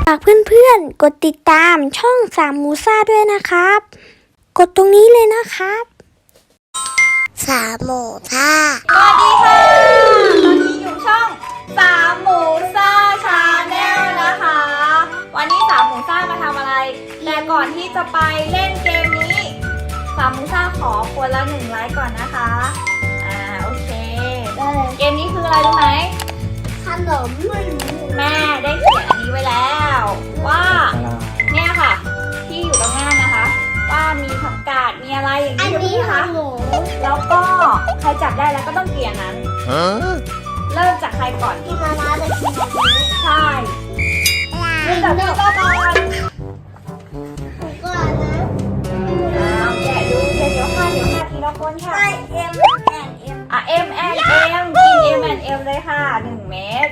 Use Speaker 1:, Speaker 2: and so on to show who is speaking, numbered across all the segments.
Speaker 1: ฝากเพื่อนๆกดติดตามช่องสามมูซ่าด้วยนะครับกดตรงนี้เลยนะครับสามมูซ่า
Speaker 2: สวัสดีค่ะตอนนี้อยู่ช่องสามหมูซ่าชาแนลนะคะวันนี้สามหมูซ่ามาทำอะไรแต่ก่อนที่จะไปเล่นเกมนี้สามหมูซ่าขอคนละ1 ไลค์ก่อนนะคะโอเคเกมนี้คืออะไรรู้ไหม
Speaker 1: ขนม
Speaker 2: แม่ได้เขียนอันนี้ไว้แล้วว่าเนี่ยค่ะที่อยู่ตรงหน้านะคะว่ามีผักกาดมีอะไรอย่างนี้นะคะแล้วก็ใครจับได้แล้วก็ต้องเกลี่ยนั้นเริ่มจากใครก่อน
Speaker 1: ที่มาลาจะกินแบบนี้
Speaker 2: ใช่เริ่มจากพี่ก็ก่อน
Speaker 1: ก่อนนะ
Speaker 2: แกะดูเดี๋ยวค่ะทีละคนค่ะ
Speaker 1: M&M
Speaker 2: M&M กิน M&M เลยค่ะ1 เม็ด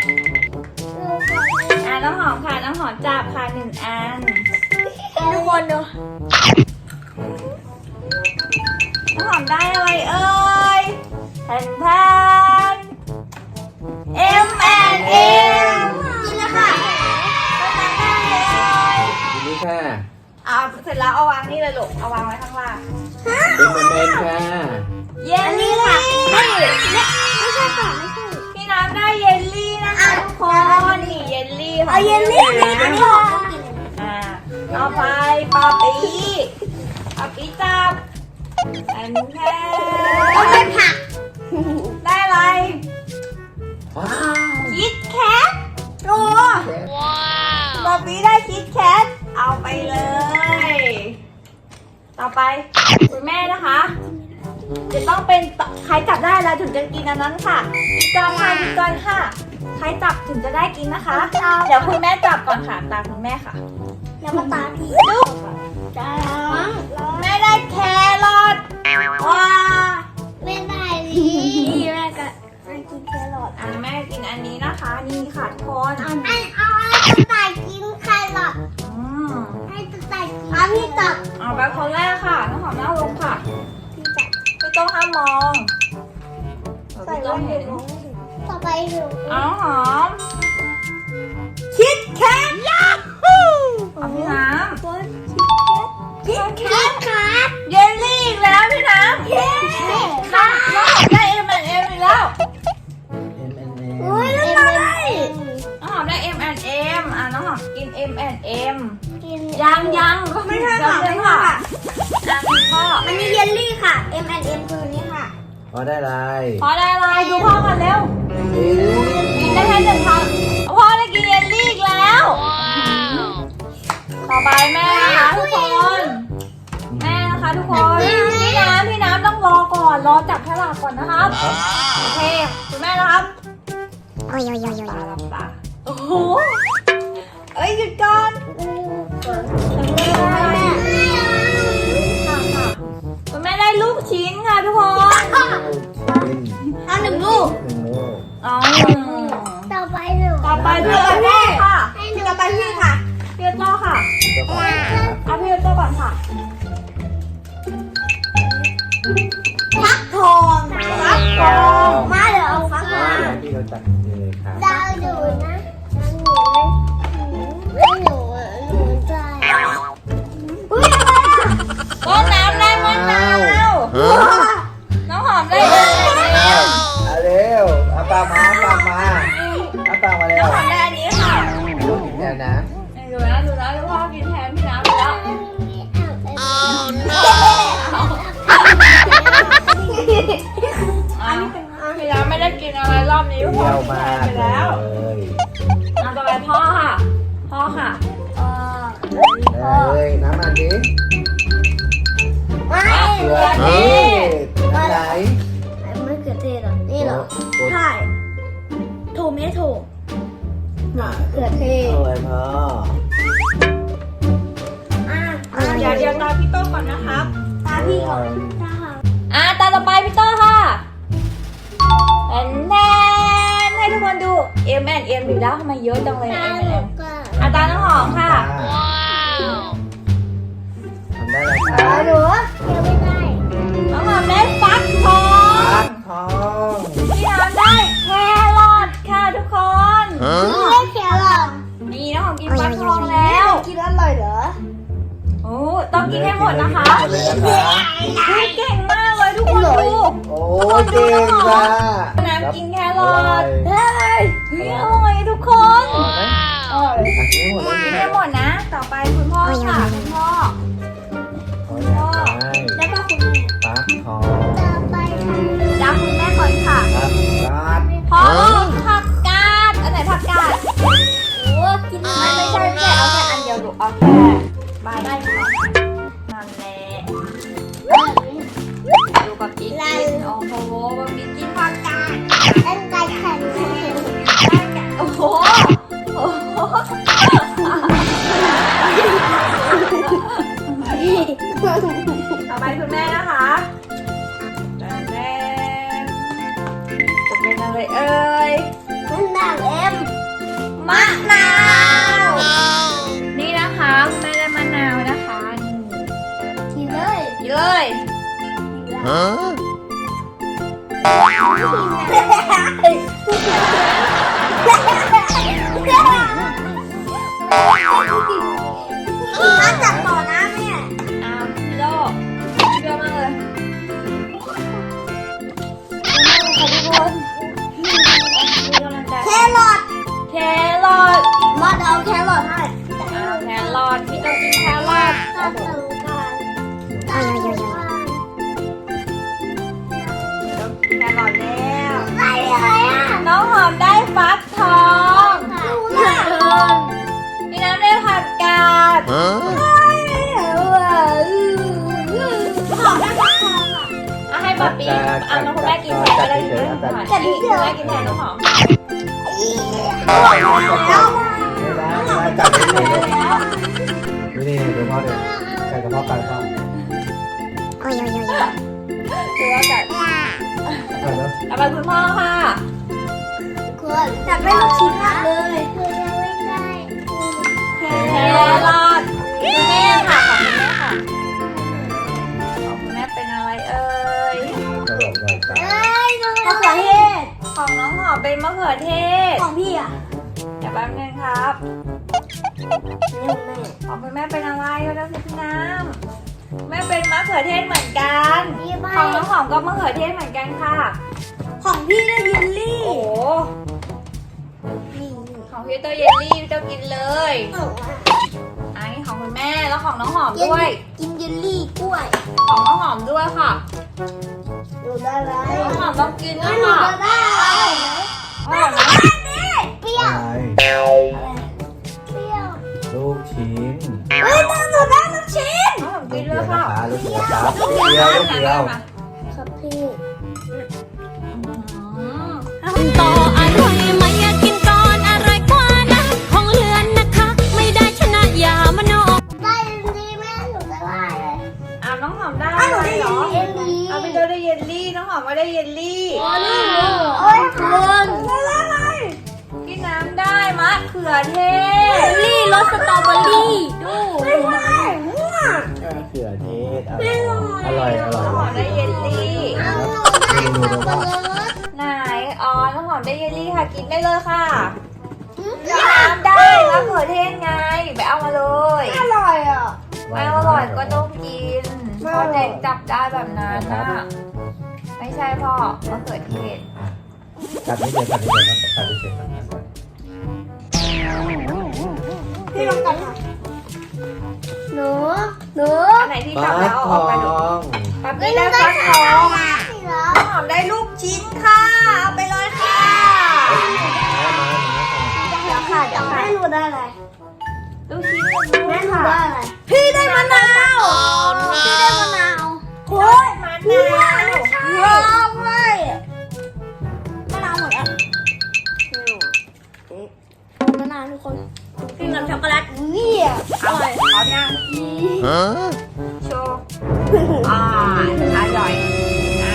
Speaker 2: น้องหอมค่ะน้องหอมจับค่ะ1 อัน
Speaker 1: ทุกคนดู
Speaker 2: น้องหอมได้อะไรเอ่ยแทนM&M
Speaker 1: นี่นะคะ
Speaker 3: นี่ค่ะ
Speaker 2: เอาเสร็จแล้วเอาวางนี่เลยลูกเอาวางไว้ข้างล่าง
Speaker 3: เป็นเหมือนเดิมค่ะ
Speaker 2: เยลลี่ค่ะ
Speaker 1: ไม่ใช่ค่ะไม่ใช่
Speaker 2: พี่น้ำได้เยลลี่นะคะทุกคนนี่เยลลี่ของ
Speaker 1: เยลลี่นี่ก็ชอบ
Speaker 2: ต่อไปปาปีจับอันแค่
Speaker 1: ได้ผัก
Speaker 2: ได้อะไร
Speaker 3: ว้าว
Speaker 2: คิดแคทโอ้ปาปีได้คิดแคทเอาไปเลยต่อไปคุณแม่นะคะจะต้องเป็นใครจับได้แล้วถึงจะกินอันนั้นค่ะอีกก่อนค่ะใครจับถึงจะได้กินนะคะเดี๋ยวคุณแม่จับก่อนค่ะตาคุณแม่ค่ะ
Speaker 1: แล้วมาตาพี่
Speaker 2: ลูก
Speaker 1: จ้า
Speaker 2: แม่ได้แครอทว้า
Speaker 1: ไม่ได้ดิแม่ก็ไม่กินแครอท
Speaker 2: แม่กินอันนี้นะคะนี่ค่ะทุกคน
Speaker 1: เอากระต่ายกินแครอทให้กระต่ายกินพี่จับ
Speaker 2: เอาไปคนแรกค่ะน้องหอมหน้าลงค่ะพี่ต้องห้ามมองพี่ต้องเห็น
Speaker 1: ต่อไปดู
Speaker 2: น้องหอมคิดแคทยักฮูเอาพี่น้ำ
Speaker 1: คิดแคทครับ
Speaker 2: เยลลี่อีกแล้วพี่น้ำค่ะน้องหอมได้ M&M อีกแล้ว
Speaker 1: โอ้ยแล้วมาได้
Speaker 2: น้องหอมได้ M&M น้องหอมกิน M&M
Speaker 1: กิน
Speaker 2: ยังไม่ใช่ค่ะไม่ค่ะพ่อ
Speaker 1: อันนี้เยลลี่ค่ะ M&M คือนี้ค่ะ
Speaker 3: พอได้ไร
Speaker 2: พอได้อะไรดูพ่อกันเร็วกินได้แค่1 คำพ่อได้กินเยลลี่อีกแล้วต่อไปแม่นะคะทุกคนแม่นะคะทุกคนพี่น้ำต้องรอก่อนรอจับฉลากก่อนนะครับโอเคคุณแม่นะครับ
Speaker 1: โอ้ย
Speaker 2: ตาลับตาโอ้โหเอ้ยหยุดก่อนคุณแม่ได้ลูกชิ้นค่ะทุกคน
Speaker 1: เอา1 ลูกต่อไป
Speaker 2: พี่โต้ค่ะ
Speaker 1: พี่ต่อไปพี่ค่ะ
Speaker 2: พี่โต้ค่ะเอาพี่โต้ก่อนค่ะ
Speaker 1: ฟักทองมาเดี๋ยวเอาฟักมา
Speaker 3: ที่เราจัดเลยครับ
Speaker 1: ดาวดูนะหนูใจ
Speaker 2: ต้นน้ำได้มะนาวน้องหอมได้
Speaker 3: เร็วเอาปากมาเอาปากมาเร็ว
Speaker 2: น้องหอมได้อันนี้ค่ะ
Speaker 3: ลูกกินแทนนะ
Speaker 2: ดูนะพ่อกินแทนพี่น้ำไปแล้วพี่น้ำไม่ได้กินอะไรรอบนี้พ่อกินแทนไปแล้วต่อไปพ่อค่ะ
Speaker 3: เลยน้ำมันดิ
Speaker 2: เกลือนี่
Speaker 3: น้ำไหน
Speaker 1: ไม่เกลือเทศหรอนี่เหรอใช่โทเมโต้เกลือเทศ
Speaker 3: โอ้ยพ่อ
Speaker 2: เดี๋ยวตาพี่โต้ก่อนนะครับ
Speaker 1: ตาพี่ก่อน
Speaker 2: ตาต่อไปพี่โต้ค่ะแนนให้ทุกคนดู M&M อยู่แล้วทำไมเยอะจังเลย M&M ตาน้องหอมค่ะ
Speaker 3: ทำได้เลยค่ะ
Speaker 1: หนูยังไม่ได้
Speaker 2: น้องหอมได้ฟักทองพี่น้ำได้แครอทค่ะทุกคน
Speaker 1: ไม่แครอท
Speaker 2: นี่น้องหอมกินฟักทองแล้โอ้ต้องกินให้หมดนะคะ
Speaker 3: หมดเลยนะคะ
Speaker 2: เก่งมากเลยทุกคนดู
Speaker 3: โอ้เก่งค่ะ
Speaker 2: น้ำกินแครอท
Speaker 3: เฮ้
Speaker 2: เฮ้ยอร่อยทุกคน
Speaker 3: อร่อยไหมอร่อยกินให้หมดเลย
Speaker 2: กินให้หมดนะ ต่อไปคุณพ่อค่ะคุณพ่อ
Speaker 3: ขออยากได้
Speaker 1: แล้วก็คุณแม่
Speaker 3: ฟักทอง
Speaker 1: ต่อไป
Speaker 2: จ้าคุณแม่ก่อนค่ะ
Speaker 3: ครับการ์ด
Speaker 2: พ่อผักกาดอันไหนผักกาด
Speaker 1: โอ้กิน
Speaker 2: ไม่ใช่เอาแค่อันเดียวลูกเอาแค่ใบได้ค่ะนั่นแหละดูกับอีกกินโอ้โหกับอีกกินผักกาด
Speaker 1: เล่นไก่แข่ง
Speaker 2: โอ้โหโอ้โหต่อไปคุณแม่นะคะแดงจะเป็นอะไรเอ่ย
Speaker 1: มันด่างเอ็ม
Speaker 2: มะนาว นี่นะคะคุณแม่ได้มะนาวนะคะนี่
Speaker 1: ทีเลย
Speaker 2: นี่เลย
Speaker 1: มาจับต่อนะแม่
Speaker 2: อ้าวพี่โลเชื่อมากเลยขอบคุณมีกำลังใจ
Speaker 1: แครอท
Speaker 2: แครอท
Speaker 1: มอดเอาแครอทให้
Speaker 2: อ้าวแครอทพี่ต้องกินแครอท
Speaker 1: ตัดสงการตัดสงการ
Speaker 2: ต้องกินแครอทแล้ว
Speaker 1: ไปเลยอ่ะ
Speaker 2: น้องหอมได้ฟักทอง
Speaker 1: รู้นะ
Speaker 2: พี่น้ำได้ผักกาด
Speaker 1: หอมได้ฟักทองอ่ะ
Speaker 2: เอาให้ป๊าปีเอาน้องคุณแม่กินแทนก็ได้นะคุณแม่กินแทนน้องหอม
Speaker 1: แล้ว
Speaker 3: ไม่ได้จับไม่ได้ดูนี่ดูพ่อเดี๋ยวใส่กระเพาะปลาพ่อ
Speaker 2: คือว่าแบบ
Speaker 3: เอาแล้ว
Speaker 2: ต่อไปคุณพ่อค่ะ
Speaker 1: คุณจับไม่ลูกชิ้นมากเลยคุณยังไม่ได้
Speaker 2: แครอทคุณแม่ค่ะของคุณแม่ค่ะของคุณแม่เป็นอะไรเอ่ย
Speaker 3: กระโดดเลยจ้ะ
Speaker 1: เอ้ยมะเขือเทศ
Speaker 2: ของน้องหอมเป็นมะเขือเทศ
Speaker 1: ของพี่อ่ะ
Speaker 2: เดี๋ยวแป๊บนึงครับ
Speaker 1: นี่ของแม่
Speaker 2: ของคุณแม่เป็นอะไรก็ได้สิพี่น้ำแม่เป็นมะเขือเทศเหมือนกัน
Speaker 1: พี่ใบ
Speaker 2: ของน้องหอมก็มะเขือเทศเหมือนกันค่ะ
Speaker 1: ของพี่ได้เยลลี่
Speaker 2: โอ้โห
Speaker 1: นี่
Speaker 2: ของพี่เตอร์เยลลี่พี่เตอร์กินเลย อันนี้ของคุณแม่แล้วของน้องหอมด้วย
Speaker 1: กินเยลลี่กล้วย
Speaker 2: ของน้องหอมด้วยค่ะ
Speaker 1: หนูได้ไร
Speaker 2: น้องหอมต้องกิน
Speaker 1: ห
Speaker 2: นะ
Speaker 1: นู
Speaker 2: ค่ะ
Speaker 1: ได้ไร
Speaker 2: หอมนะ
Speaker 1: เปรี้ยว
Speaker 3: อะไร
Speaker 1: เปรี้ยว
Speaker 3: ลูกชิ้น
Speaker 1: เฮ้ยหนูได้ลูกชิ้น
Speaker 2: น้องหอม
Speaker 3: ลู
Speaker 2: กิ
Speaker 3: ก
Speaker 2: น
Speaker 3: เดี
Speaker 2: เลย
Speaker 3: วย
Speaker 2: ค่ะ
Speaker 3: นะคะลูกเดียวครับลูกเดียวลูกเดียว
Speaker 1: ครับพี่
Speaker 2: อืม
Speaker 4: ต่ออร่อยไหมอยากกินก่อนอร่อยกว่านะของเลือนนะคะ ไม่ได้ชนะอย่ามโน
Speaker 1: ได้ดีแม่หนูได้ไรเลย
Speaker 2: อ่ะน้องหอมได้อะไรเหรอ
Speaker 1: เยลลี่
Speaker 2: เอาพี่เตอร์ได้เยลลี่น้องหอมก็ได้เยลลี่
Speaker 1: โอ้ยคุณอะไร
Speaker 2: พี่น้ำได้มะเขือเทศ
Speaker 1: เยลลี่รสสตรอเบอรี่ดูไม่ใช่มั่ว
Speaker 3: มะเขือเทศอร่อยอร่อย
Speaker 2: น้องหอมได้เยลลี่
Speaker 1: เอาหนูได้สับปะรด
Speaker 2: ไหนอ๋อน้องหอมได้เยลลี่ค่ะกินได้เลยค่ะพี่น้ำได้มะเขือเทศไงไปเอามาเลย
Speaker 1: อร่อยอ่ะ
Speaker 2: ไม่อร่อยก็ต้องกินเพราะเด็กจับได้แบบนั้นน่ะไม่ใช่พ่อมะเขือเทศ
Speaker 3: กัดนิดเดียวกัดนิดเดียวกัดนิดเดียว
Speaker 1: พี่ลองกันค่ะหนูหนู
Speaker 2: อันไหนที่
Speaker 3: ฟั
Speaker 2: จับ
Speaker 3: ก
Speaker 2: แล้ว
Speaker 3: ท
Speaker 2: เอาออก
Speaker 3: อ
Speaker 2: ไปดู
Speaker 3: ง
Speaker 2: ปั๊บนี่ได้ฟักทอง
Speaker 1: เหรอ
Speaker 2: น้องหอมได้ลูกชิ้นค่ะเอาไปเลยค่ะ
Speaker 3: มา
Speaker 2: เดี๋ยวค่ะเดี๋ยวค่ะ
Speaker 1: แม่หนูได้อะไร
Speaker 2: ลูกชิ้นหนึ่ง
Speaker 1: แม่
Speaker 2: ด้วย
Speaker 1: หนู
Speaker 2: ค่ะ
Speaker 1: ได้อะไร
Speaker 2: พี่ได้มะนาว
Speaker 1: พี่ได้มะนาว
Speaker 2: โอ้ยมะนาว
Speaker 1: ว้าวเว้ยมะนาวหมดอ่ะมะนาวทุกคน
Speaker 2: กินกับช็อกโกแลต
Speaker 1: นี่อ่ะ
Speaker 2: อร่อยพร้อมยังโชว์อร่อยนะ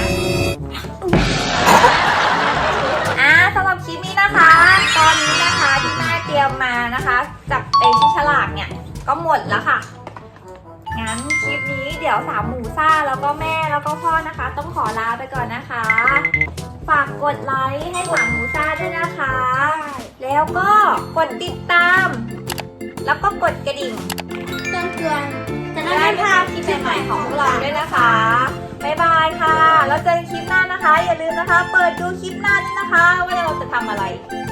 Speaker 2: สำหรับคลิปนี้นะคะ ตอนนี้นะคะที่แม่เตรียมมานะคะกับไอ้ที่ฉลากเนี่ยก็หมดแล้วค่ะ งั้นคลิปนี้เดี๋ยวสามหมูซ่าแล้วก็แม่แล้วก็พ่อนะคะ ต้องขอลาไปก่อนนะคะ ฝากกดไลค์ให้สามหมูซ่าด้วยนะคะ แล้วก็กดติดตาม แล้วก็กดกระดิ่ง
Speaker 1: ใช่เตือน
Speaker 2: จะได้ไม่พลาดคลิปใหม่ๆของพวกเราด้วยนะคะ บ๊ายบายค่ะ แล้วเจอกันคลิปหน้านะคะ อย่าลืมนะคะ เปิดดูคลิปหน้าด้วยนะคะ ว่าเราจะทำอะไร